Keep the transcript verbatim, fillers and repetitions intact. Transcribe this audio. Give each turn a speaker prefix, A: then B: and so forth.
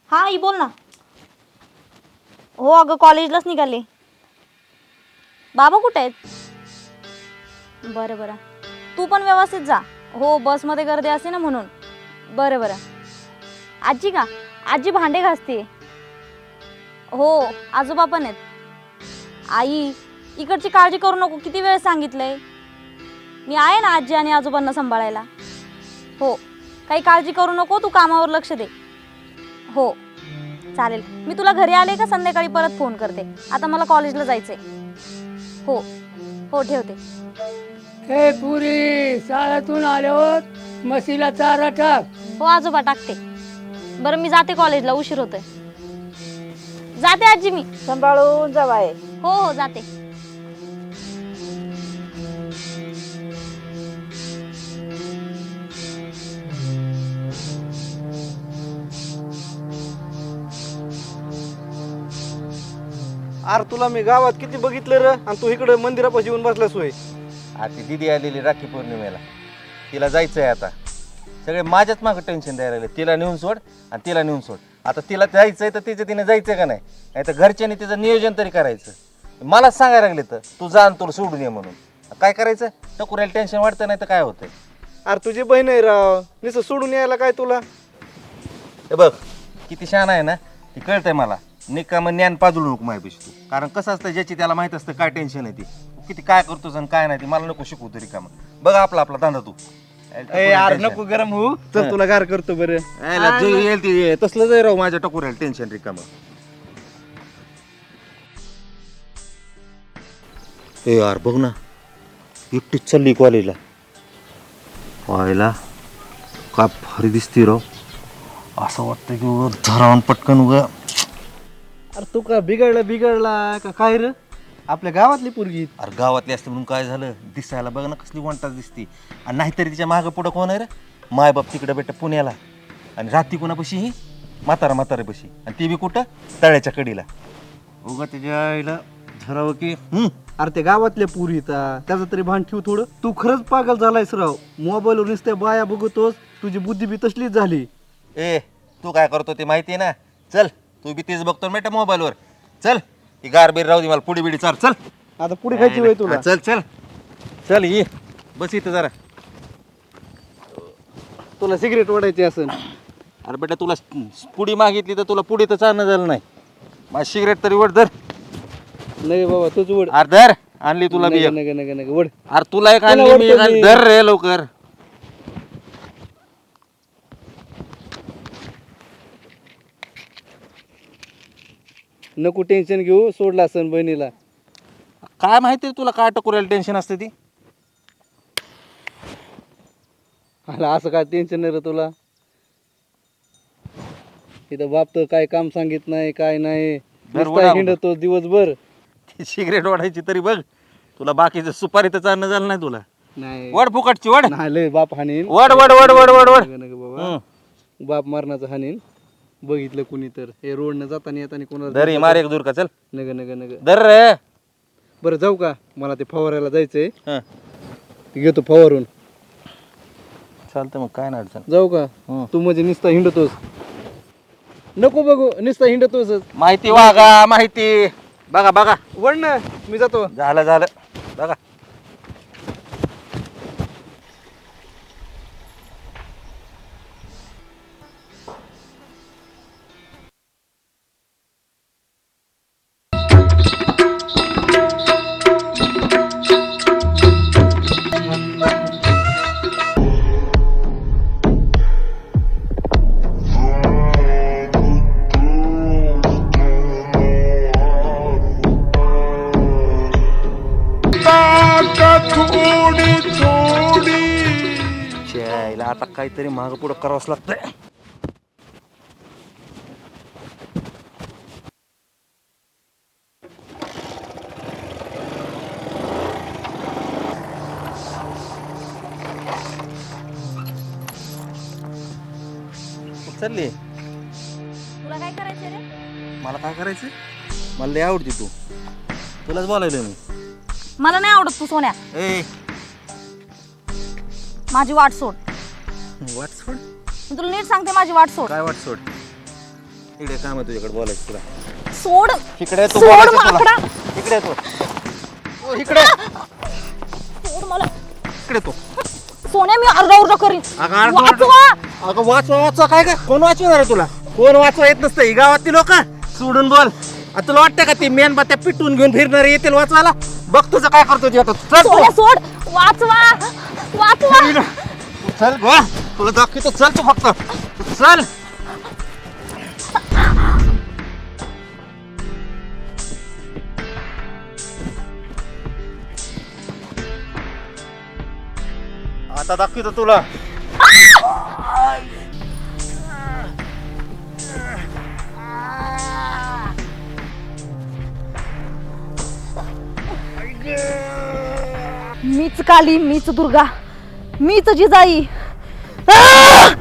A: हा आई बोल ना. हो अगं कॉलेजलाच निघाले. बाबा कुठे आहेत? बरं बरं तू पण व्यवस्थित जा. हो बसमध्ये गर्दी असते ना म्हणून. बरं बरं. आजी का? आजी भांडे घासते. हो आजोबा पण आहेत. आई इकडची काळजी करू नको, किती वेळ सांगितलंय. मी आहे ना आजी आणि आजोबांना सांभाळायला. हो काही काळजी करू नको, तू कामावर लक्ष दे. हो चालेल. मी तुला घरी आले का संध्याकाळी परत फोन करते. आता मला कॉलेजला जायचंय. हो हो ठेवते.
B: हे पुरी शाळेतून आल्यावर म्हशीला चारा टाक.
A: हो आजोबा टाकते. बरं मी जाते कॉलेजला, उशीर होतोय. जाते आजी मी.
C: सांभाळून जा बाई.
A: हो हो जाते.
D: अरे तुला मी गावात किती बघितलं र, आणि तू इकडे मंदिरापाशी येऊन बसलास होय.
E: आता दिदी आलेली राखी पौर्णिमेला, तिला जायचंय. आता सगळे माझ्याच मागं टेन्शन द्यायला लागले. तिला नेऊन सोड आणि तिला नेऊन सोड. आता तिला जायचंय तर तिचं तिने जायचंय का नाही, नाही तर घरच्यांनी तिचं नियोजन तरी करायचं. मलाच सांगायला लागले तर तू जा आणि तुला सोडून ये म्हणून. काय करायचं, टकुऱ्याला टेन्शन वाटतं नाही तर काय होतंय.
D: अरे तुझी बहीण आहे राव, नुसतं सोडून यायला काय तुला.
E: हे बघ किती छान आहे ना, ती कळतंय मला. निकामं ज्ञान पाजळू नको माझ्यापेक्षा तू. कारण कसं असतं ज्याची त्याला माहित असतं काय टेन्शन आहे ती, किती काय करतोस आणि काय नाही ती मला नको शिकवू तरी कामं. बघ आपला आपला धंदा तू.
D: यार नको गरम होऊ, चल तुला गार करतो बरं.
E: यायला जे येईल ते तसलं जाय राव माझ्या टकुऱ्याला टेन्शन रिकामं. ए यार बघ ना, एकटीच चालली कॉलेजला. व्हायला काय भारी दिसते राव. असं वाटतं की उगा धरावून पटकन उगा.
D: अरे तू का बिघडला बिघडला का काय र, आपल्या गावातली पोरगी.
E: अरे गावातली असते म्हणून काय झालं, दिसायला बघ ना कसली वंटाच दिसते. आणि नाहीतरी तिच्या मागं पुढं कोण आहे रे, मायबाप तिकडं बेटा पुण्याला, आणि राहती कोणापाशी ही म्हातारा म्हाताऱ्यापाशी, आणि ती बी कुठं तळ्याच्या कडीला. उगा त्याच्या आईला धरावं की. हम्म
D: अरे ते गावातल्या पोरी येतात, त्याचं तरी भान ठेव थोडं. तू खरंच पागल झालायस राव, मोबाईलवर नुसत्या बाया बघतोस, तुझी बुद्धी बी तसलीच झाली.
E: ए तू काय करतो ते माहिती आहे ना. चल तू बी तेच बघतो बेटा मोबाईलवर. चल ही गारबीर राहू दे, मला पुडी बिडी चाल. चल
D: आता पुढे खायची वय तुला.
E: हा, चल चल चल ये बस इथं जरा.
D: तुला सिगरेट ओढायची असेल.
E: अरे बेटा तुला पुडी मागितली तर तुला पुडी तर चालणं झालं नाही. माझी सिगरेट तरी वड धर.
D: नाही बाबा तुझ ओढ.
E: अरे धर, आणली तुला बी एक.
D: नग नग नग ओढ.
E: अरे तुला एक
D: तुला
E: आणली मी एक
D: ओढतो
E: आणली.
D: मी.
E: धर रे लवकर.
D: नको टेन्शन घेऊ, सोडला असन बहिणीला.
E: काय माहिती तुला काय टकुऱ्याला टेन्शन असते ती.
D: आला असं काय टेन्शन नाही रे तुला. इथं बाप तर काय काम सांगित नाही काय नाही,
E: बरं,
D: नुसता
E: वडा.
D: हिंडतो दिवसभर.
E: ती सिगरेट ओढायची तरी बघ. तुला बाकीचं सुपारी तर चालणं झालं नाही तुला.
D: नाही
E: वड फुकटची वड.
D: नाही लय बाप हानीन.
E: वड वड वड वड वड वड.
D: नग नग बाबा,
E: हम्म.
D: बाप मारण्याचं हानीन. बघितलं कुणी तर हे रोडनं जाताना येताना कोणाला
E: धर ही, मार एक दूर का. चल
D: नग नग नग.
E: धर रे.
D: बरं जाऊ का, मला ते फवारायला जायचंय.
E: हं.
D: ते घेतो फवारून.
E: चालतं मग काय नाही अडचण.
D: जाऊ का.
E: हं.
D: तू म्हणजे नुसता हिंडतोस. नको बघू, नुसता हिंडतोस.
E: माहिती वागा माहिती. बघा बघा.
D: वळ ना, मी जातो.
E: झालं झालं बघा. च्यायला आता काहीतरी मागं पुढं करावंच लागतंय. चालली
A: तुला काय करायचं रे?
E: मला काय करायचं, मला लय आवडते तू. तुलाच बोलायलं मी.
A: मला नाही आवडत तू सोन्या.
E: ए
A: माझी वाट सोड.
E: वाट सोड.
A: मी तुला नीट सांगते, माझी वाट सोड.
E: काय वाट सोड. इकडे काम आहे तुझ्याकडे बोलायचं तुला.
A: सोड
E: इकडे तू
A: सोड
E: बोलायचं तुला.
A: माकडा.
E: इकडे तू ओ, इकडे
A: सोड मला.
E: इकडे तू.
A: सोन्या मी आरडाओरडा करीन.
E: अगं, आरडाओरडा-
A: वाचवा.
E: अगं वाचवा वाचवा काय काय कोण वाचवणार आहे तुला? कोण वाचवा येत नसतं ही गावातली लोक. सोडून बोल. आता तुला वाटतं का ती मेणबत्त्या पिटून घेऊन फिरणार येतील वाचवायला? बघ तुझं काय करतो ते आता. चल तू.
A: सोन्या सोड. वाचवा वाचवा.
E: चल गो तुला दाखवतो. चल तू फक्त तू चल. आता दाखवतो तुला.
A: मीच काली, मीच दुर्गा, मीच जिजाई. आ!